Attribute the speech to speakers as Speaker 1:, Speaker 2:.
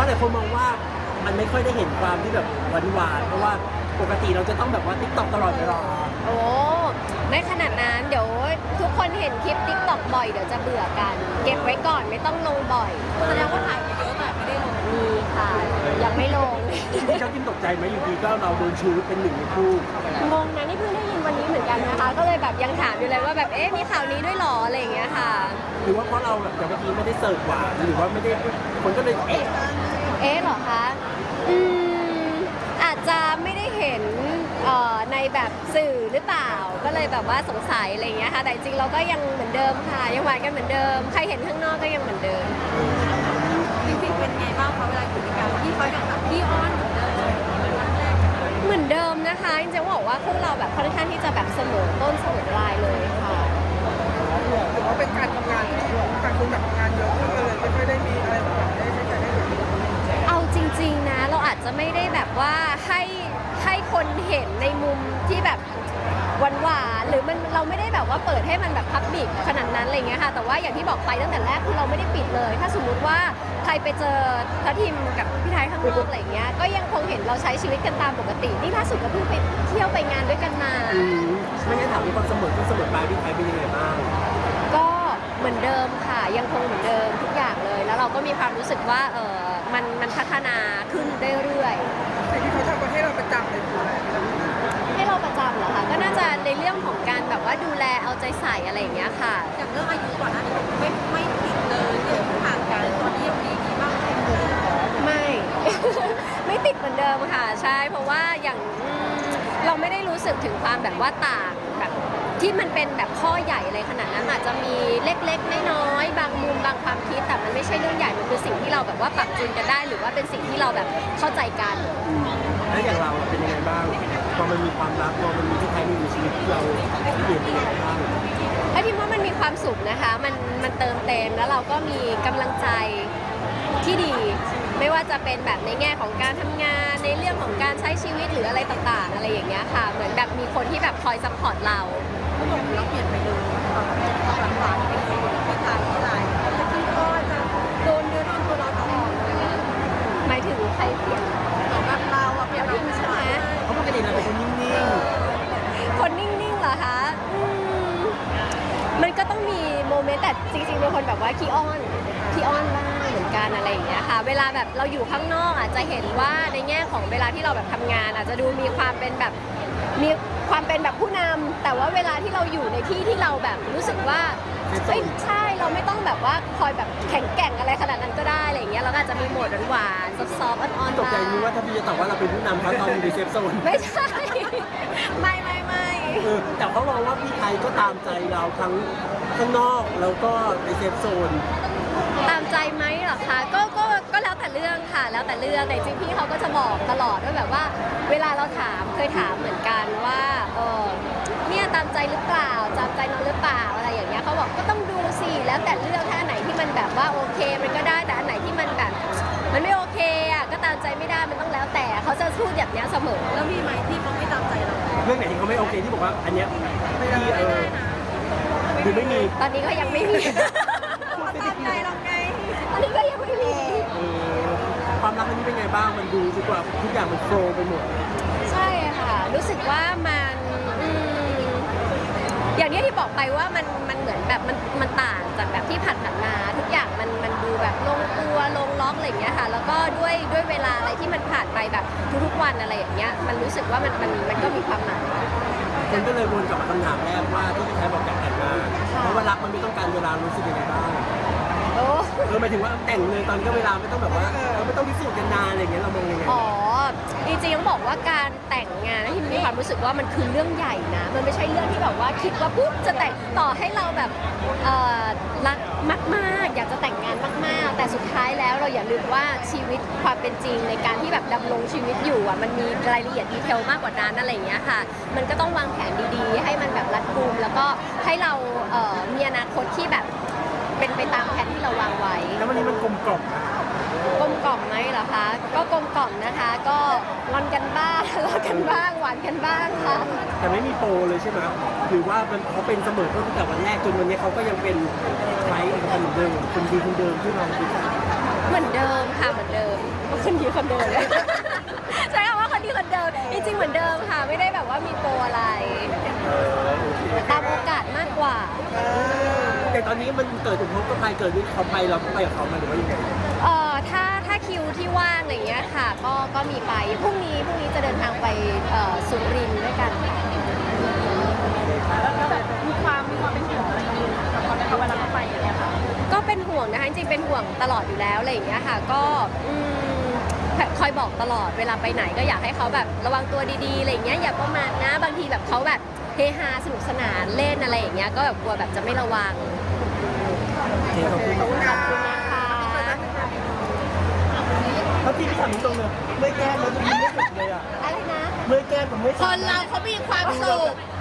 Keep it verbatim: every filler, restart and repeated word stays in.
Speaker 1: หลายคนมองว่ามันไม่ค่อยได้เห็นความที่แบบหวานๆเพราะว่าปกติเราจะต้องแบบว่าติ๊กต็อกตลอดเวลา
Speaker 2: โอ้ไม่ขนาดนั้นเดี๋ยวทุกคนเห็นคลิปติ๊กต็อกบ่อยเดี๋ยวจะเบื่อกัน เก็บไว้ก่อนไม่ต้องลงบ่อยแสดงว่าถ่ายเยอะแต่ไม่ได้ลงมีค่ะยังไม่ลง
Speaker 1: ที่ชอบกินตกใจไหมอยู่ดีก็เราโดนชูเป็นหนึ่งในคู่
Speaker 2: งงนะนี่เพิ่งได้ยินวันนี้เหมือนกันนะคะก็เลยแบบยังถามอยู่เลยว่าแบบเอ๊ะมีข่าวนี้ด้วยหรออะไรอย่างเงี้ยค่ะ
Speaker 1: หรือว่าเพราะเราแบบอย่างเมื่อกี้ไม่ได้เสิร์ฟหวานหรือว่าไม่ได้คนก็เลยเอ๊ะ
Speaker 2: เอ๊ะเหรอคะอืมอาจจะไม่ได้เห็นในแบบสื่อหรือเปล่าก็เลยแบบว่าสงสัยอะไรอย่างเงี้ยค่ะแต่จริงเราก็ยังเหมือนเดิมค่ะยังหวานกันเหมือนเดิมใครเห็นข้างนอกก็ยังเหมือนเดิม
Speaker 3: จริงๆเป็นไงบ้างคะเวลาอยู่ด้วยกันที่เขาอย่างแบบพี่อ้อน
Speaker 2: เหมือนเดิมนะคะจริงๆบอกว่าพวกเราแบบค่อนข้างที่จะแบบเสมอต้นเสมอปลายเลยค่ะ
Speaker 4: ถือว่าเป็นการทำงานที่ต่างคนต่างทำงานเยอะขึ้นเลยไม่ค่อยได้มีอะไรแบบได้ไม่ได้เห็น
Speaker 2: เอาจริงๆนะเราอาจจะไม่ได้แบบว่าให้ให้คนเห็นในมุมที่แบบหวานๆหรือมันเราไม่ได้แบบว่าเปิดให้มันแบบพับบิกขนาดนั้นอะไรเงี้ยค่ะแต่ว่าอย่างที่บอกไปตั้งแต่แรกคือเราไม่ได้ปิดเลยถ้าสมมุติว่าใครไปเจอทัพทิมกับพี่ไทยข้างนอกอะไรเงี้ยก็ยังคงเห็นเราใช้ชีวิตกันตามปกตินี่ล่าสุดก็เพิ่งไปเที่ยวไปงานด้วยกันมา
Speaker 1: ไม่งั้นถามมีความเสมอต้นเสมอปลายพี่ไทยเป็นยังไงบ้าง
Speaker 2: ก็เหมือนเดิมค่ะยังคงเหมือนเดิมทุกอย่างเลยแล้วเราก็มีความรู้สึกว่าเออมันมันพัฒนาขึ้นเรื่อย
Speaker 4: ๆสิ่งที่เขาทำมาให้เราประจำเลยคืออะไร
Speaker 2: ให้เราประจำเหรอคะก็น่าจะในเรื่องของการแบบว่าดูแลเอาใจใส่อะไรอย่างเงี้ยค่ะ
Speaker 3: อย่างเรื่องอายุก่อนหน้านี้ไม่ไม่ติดเลยเรื่องผ่านกันตอนนี้ยังดีดีมาก
Speaker 2: ไม่ ไม่ติดเหมือนเดิมค่ะใช่เพราะว่าอย่างเราไม่ได้รู้สึกถึงความแบบว่าต่างแบบที่มันเป็นแบบข้อใหญ่อะไรขนาดนั้นอาจจะมีเล็กๆน้อยๆบางมุมบางความคิดแต่มันไม่ใช่เรื่องใหญ่มันคือสิ่งที่เราแบบว่าปรับจูนกันได้หรือว่าเป็นสิ่งที่เราแบบเข้าใจกัน
Speaker 1: แล้วอย่างเราเป็นยังไงบ้างพอมันมีความรักพอมันมีที่ไทยมีชีวิตที่เราเปลี่ยนไปยังไงบ้าง
Speaker 2: ถ้าทิมว่ามันมีความสุขนะคะมันมันเติมเต็มแล้วเราก็มีกำลังใจที่ดีไม่ว่าจะเป็นแบบในแง่ของการทำงานในเรื่องของการใช้ชีวิตหรืออะไรต่างๆอะไรอย่างเงี้ยค่ะเหมือนแบบมีคนที่แบบคอยซัพพอร์ตเรา
Speaker 3: ก็บอกเราเปลี่ยนไปเลยหลังหวานไปเลยไม่ตายไม่ตายจะคิดก็จะโดนเนื้อโดนตัวเราตลอด
Speaker 2: หมายถึงใครเปลี่ยน
Speaker 3: แบบเราอะเปลี่ยนเรา
Speaker 2: ใช่ไหม
Speaker 1: เขาปกติเราเป็นคนนิ่ง
Speaker 2: ๆคนนิ่งๆเหรอคะมันก็ต้องมีโมเมนต์แต่จริงๆเป็นคนแบบว่าขี้อ้อนขี้อ้อนบ้างเหมือนกันอะไรอย่างเงี้ยค่ะเวลาแบบเราอยู่ข้างนอกอาจจะเห็นว่าในแง่ของเวลาที่เราแบบทำงานอาจจะดูมีความเป็นแบบมีความเป็นแบบผู้นำแต่ว่าเวลาที่เราอยู่ในที่ที่เราแบบรู้สึกว่าเฮ้ยใช่เราไม่ต้องแบบว่าคอยแบบแข็งแกร่งอะไรขนาดนั้นก็ได้อะไรอย่างเงี้ยเราก็อาจจะมีโหมดหวานๆซอฟต์ๆอ่อนๆ
Speaker 1: ตกใจนึกว่าถ้าพี่จะตอบว่าเราเป็นผู้นำเขาตอนอยู่ในเซฟโซน
Speaker 2: ไม่ใช่ไม่ไม่ไม่
Speaker 1: แต่เขามองว่าพี่ไทยก็ตามใจเราทั้งข้างนอกแล้วก็ในเซฟโซน
Speaker 2: ตามใจไหมเหรอคะก็ก็ก็แล้วแต่เรื่องค่ะแล้วแต่เรื่องแต่จริงพี่เขาก็จะบอกตลอดว่าแบบว่าเวลาเราถามเคยถามเหมือนกันว่าเออเนี่ยตามใจหรือเปล่าตามใจน้องหรือเปล่าอะไรอย่างเงี้ยเขาบอกก็ต้องดูสิแล้วแต่เรื่องถ้าอันไหนที่มันแบบว่าโอเคมันก็ได้แต่อันไหนที่มันแบบมันไม่โอเคอ่ะก็ตามใจไม่ได้มันต้องแล้วแต่เขาจะพูดแบบนี้เสมอ
Speaker 3: แล้วมีไหมที่เขาไม่ตามใจเรา
Speaker 1: เรื่องไหนที่เขาไม่โอเคที่บอกว่าอันเนี้ยไม่ได้เออหรือไม่มี
Speaker 2: ตอนนี้ก็ยังไม่มี
Speaker 3: ตามใจเราไง
Speaker 2: ตอนนี้ก็ยังไม่มี
Speaker 1: ความรักอันนี้เป็นไงบ้างมันดูดีกว่าทุกอย่างมันโฟล์ไปหมด
Speaker 2: ใช่ค่ะรู้สึกว่ามันอย่างนี้ที่บอกไปว่ามันมันเหมือนแบบมันมันต่างจากแบบที่ผ่านผ่านมาทุกอย่างมันมันดูแบบลงตัวลงล็อกอะไรอย่างเงี้ยค่ะแล้วก็ด้วยด้วยเวลาอะไรที่มันผ่านไปแบบทุกๆวันอะไรอย่างเงี้ยมันรู้สึกว่ามันมันมันก็มีความหมาย
Speaker 1: คนก็เลยวนกลับมาคำถามแรกว่าที่พี่ไทยบอกอยากแต่งงานเพราะว่ารักมันไม่ต้องการเวลารู้สึกยังไงบ้างเออหมายถึงว่าแต่งเลยตอนก็เวลาไม่ต้องแบบว่าเราไม่ต้องพิสูจน์กันนานอะไรอย่างเงี้ยเรามองยังไง
Speaker 2: อ๋อจริงๆต้องบอกว่าการแต่งงานที่มีความรู้สึกว่ามันคือเรื่องใหญ่นะมันไม่ใช่เรื่องที่แบบว่าคิดว่าปุ๊บจะแต่งต่อให้เราแบบรักมากๆอยากจะแต่งงานมากๆแต่สุดท้ายแล้วเราอย่าลืมว่าชีวิตความเป็นจริงในการที่แบบดำรงชีวิตอยู่อ่ะมันมีรายละเอียดดีเทลมากกว่านั้นอะไรอย่างเงี้ยค่ะมันก็ต้องวางแผนดีๆให้มันแบบรัดกุมแล้วก็ให้เรามีอนาคตที่แบบเป็นไปตามแผนที่เราวางไว้
Speaker 1: แล้ววันนี้มันกลมกล่อม
Speaker 2: กลมกล่อมไหมเหรอคะก็กลมกล่อมนะคะก็งอนกันบ้างทะเลาะกันบ้างหวานกันบ้างค่ะ
Speaker 1: แต่ไม่มีโปรเลยใช่ไหมหรือว่ามันเขาเป็นเสมอต้นตั้งแต่วันแรกจนวันนี้เขาก็ยังเป็นไทยเอกพันธ์เหมือนเดิมคนดีคนเดิมที่เราดู
Speaker 2: เหมือนเดิมค่ะเหมือนเดิมคนดีคนเดิม ใช่คำว่าคนดีคนเดิมจริงๆเหมือนเดิมค่ะไม่ได้แบบว่ามีโปรอะไร
Speaker 1: เออโอเค
Speaker 2: ตามโอกาสมากกว่า
Speaker 1: แต่ตอนนี้มันเกิดอุทกภัยเกิดนี่เขาไปเราก็ไปกับเขามาหรือว่ายังไง
Speaker 2: เอ่อถ้าถ้าคิวที่ว่างอะไรอย่างเงี้ยค่ะ ก็ก็มีไปพรุ่งนี้พรุ่งนี้จะเดินทางไปเอ่อสุรินทร์ด้วยกันค่ะ
Speaker 3: แล้วแบบมีความมีความเป็นห่วงอะไรกับเขาไหมคะเวลาเขาไปอย่างเงี้ยค่ะ
Speaker 2: ก็เป็นห่วงนะคะจริงๆเป็นห่วงตลอดอยู่แล้วอะไรอย่างเงี้ยค่ะ ก็อืมคอยบอกตลอดเวลาไปไหนก็อยากให้เขาแบบระวังตัวดีๆอะไรอย่างเงี้ยอย่าประมาทนะบางทีแบบเขาแบบเฮฮาสนุกสนานเล่นอะไรอย่างเงี้ยก็แบบกลัวแบบจะไม่ระวัง
Speaker 1: โอเคขอบคุณ
Speaker 2: ขอบคุณนะคะ
Speaker 1: เขาที่พี่ถามตรงเลยเมื่อแก้มมันยิ้มไม่หยุดเลยอ่ะ
Speaker 2: อะไรนะ
Speaker 1: เมื่อแก้มผมไม่
Speaker 3: คนเราเขามีความสุข